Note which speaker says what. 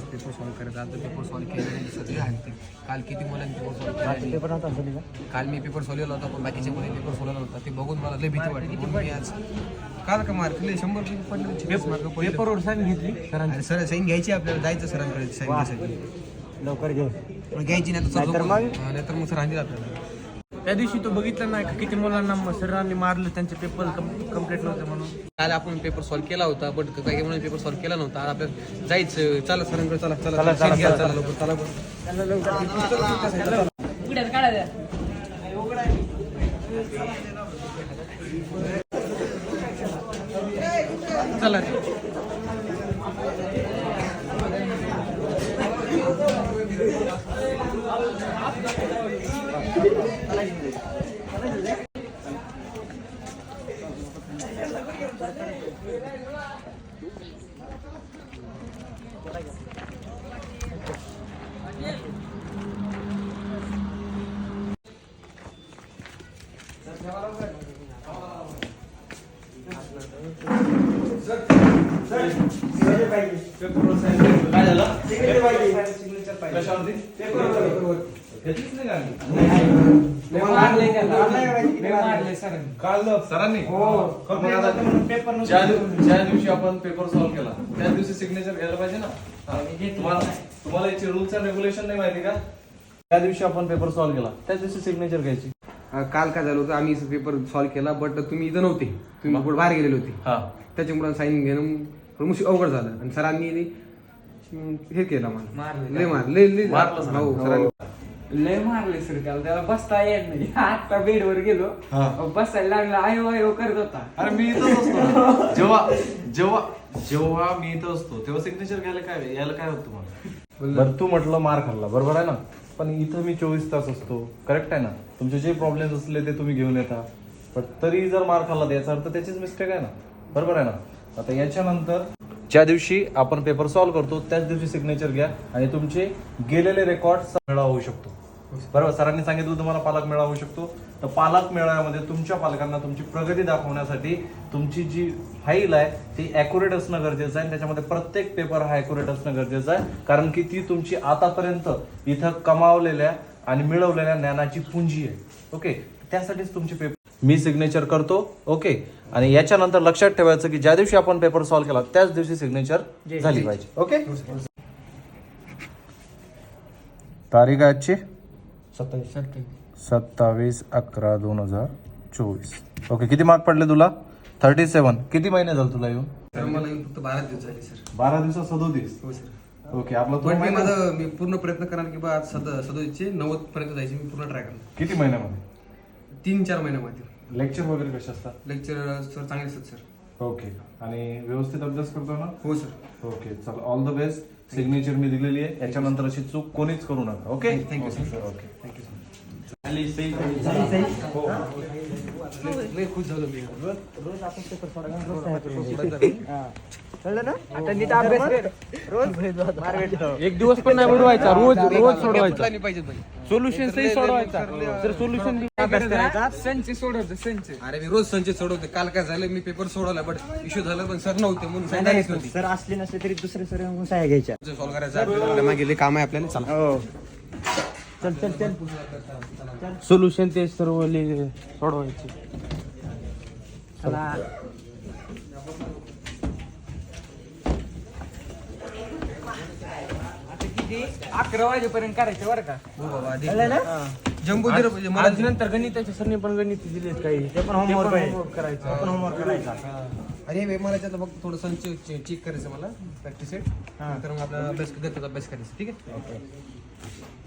Speaker 1: Paper solve करायचा. आता paper solve केल्याने सगळे हलते. काल किती मुलांनी पेपर सॉल्व केला. काल मी पेपर सोडवला होता पण बाकीच्या मुलांनी पेपर सोडवला होता. ते बघून मला लय भीती वाटली. म्हणून मी आज काल का मार्क 100 पडले.
Speaker 2: पेपरवर साईन घेतली
Speaker 1: आणि सर साईन घ्यायची आपल्याला, जायचं सरांकडे साईन घ्यायसाठी.
Speaker 2: लवकर घेऊ.
Speaker 1: घ्यायची नाही तर मग सर आणतील आपल्याला.
Speaker 2: त्या दिवशी तो बघितलं नाही का किती मुलांना सरांनी मारलं, त्यांचे पेपर कम्प्लीट नव्हते म्हणून.
Speaker 1: काल आपण पेपर सॉल्व केला होता बट काही म्हणून पेपर सॉल्व केला नव्हता. आज आपल्याला जायचं. चला सरांकडे चला चला चला लवकर चला चला.
Speaker 3: काय झालं? सरांनी ज्या दिवशी आपण पेपर सॉल्व केला त्या दिवशी सिग्नेचर घ्यायला पाहिजे ना. तुम्हाला याचे रूल्स अँड रेग्युलेशन नाही माहिती का? त्या दिवशी आपण पेपर सॉल्व केला त्याच दिवशी सिग्नेचर घ्यायची.
Speaker 1: काल काय झालं होतं, आम्ही पेपर सॉल्व केला बट तुम्ही इथं नव्हते. तुम्ही कुठे बाहेर गेलेले होते. त्याच्यामुळे साईन घेणं थोडं अवघड झालं आणि सरांनी हे केलं मला लय
Speaker 3: मारलं.
Speaker 4: लय मारले सर त्याला बसता येत नाही. आता बेडवर गेलो बसायला लागला आयो आयो करत होता.
Speaker 3: अरे मी इथंच असतो जेव्हा जेव्हा जेव्हा मी इथं असतो तेव्हा सिग्नेचर घ्यायला काय यायला काय होतं तुम्हाला? बरं तू म्हटलं मार खाल्ला बरोबर आहे ना, पण इथं मी 24 तास असतो. करेक्ट आहे ना? तुमचे जे प्रॉब्लेम्स असले ते तुम्ही घेऊन येता, पण तरी जर मार खाल्ला याचा अर्थ त्याचीच मिस्टेक आहे ना, बरोबर आहे ना? आता याच्यानंतर ज्या दिवशी आपण पेपर सॉल्व्ह करतो त्याच दिवशी सिग्नेचर घ्या आणि तुमचे गेलेले रेकॉर्ड मेळावा होऊ शकतो. बरोबर, सरांनी सांगितलं तुम्हाला पालक मेळावा होऊ शकतो. तर पालक मेळाव्यामध्ये तुमच्या पालकांना तुमची प्रगती दाखवण्यासाठी तुमची जी फाईल आहे ती ॲक्युरेट असणं गरजेचं आहे. त्याच्यामध्ये प्रत्येक पेपर हा ॲक्युरेट असणं गरजेचं आहे, कारण की ती तुमची आतापर्यंत इथं कमावलेल्या आणि मिळवलेल्या ज्ञानाची पुंजी आहे. ओके, त्यासाठीच तुमचे पेपर मी सिग्नेचर करतो. ओके, आणि याच्यानंतर लक्षात ठेवायचं की ज्या दिवशी आपण पेपर सॉल्व्ह केला त्याच दिवशी सिग्नेचर झाली पाहिजे. ओके, तारीख आजची 27/11/2024. ओके, किती मार्क पडले तुला? 37. किती महिने झाले तुला येऊन?
Speaker 1: सर मला फक्त 12 दिवस झाले सर.
Speaker 3: 12 दिवसात 37.
Speaker 1: हो सर.
Speaker 3: ओके, आपला
Speaker 1: मी पूर्ण प्रयत्न करणार की बा आज 37चे 90 पर्यंत जायचे. मी पूर्ण ट्राय करणार.
Speaker 3: किती महिन्यामध्ये?
Speaker 1: 3-4 महिन्यामध्ये.
Speaker 3: लेक्चर वगैरे कसे असतात?
Speaker 1: लेक्चर सर चांगले असतात सर.
Speaker 3: ओके, आणि व्यवस्थित अभ्यास करतो ना?
Speaker 1: हो सर.
Speaker 3: ओके, चल, ऑल द बेस्ट. सिग्नेचर मी दिलेली आहे, याच्यानंतर अशी चूक कोणीच करू नका. Okay,
Speaker 1: thank you sir.
Speaker 3: Okay,
Speaker 1: thank you sir.
Speaker 4: खुश झालो मी.
Speaker 2: रोज आपण पेपर सोडा कळलं ना? आता नीट अभ्यास कर. रोज
Speaker 4: एक दिवस पण नाही बुडवायचा, रोज रोज सोडवायचा.
Speaker 1: पाहिजे
Speaker 4: सोल्युशन सही सोडवायचा. जर सोल्युशन अभ्यास करायचा
Speaker 1: संच सोडवते संच. अरे मी रोज संच सोडवते. काल काय झालं, मी पेपर सोडवला बट इश्यू झाला पण सर नव्हते म्हणून सांगायच नव्हती.
Speaker 2: सर असले नसले तरी दुसरे सर येऊन सह्या घ्यायच्या.
Speaker 1: सॉल्व करायचं आपल्याला, मागे लय काम आहे आपल्याला. चला.
Speaker 2: हो, चल चल चल.
Speaker 4: सोल्युशन ते सर्व सोडवायचे.
Speaker 2: चला.
Speaker 4: किती 11 वाजेपर्यंत करायचं बरं का?
Speaker 1: हो बाबा,
Speaker 2: कळलं ना?
Speaker 1: जम्बो
Speaker 4: मला नंतर गणिताच्या सरने पण गणित दिलेत काही.
Speaker 2: ते पण होमवर्क
Speaker 4: करायचं.
Speaker 2: आपण होमवर्क करायचा.
Speaker 1: अरे मला त्यातलं फक्त थोडं संच चेक करायचं मला प्रॅक्टिस सेट. तर मग आपला अभ्यास करायचा. ठीक आहे.
Speaker 2: ओके.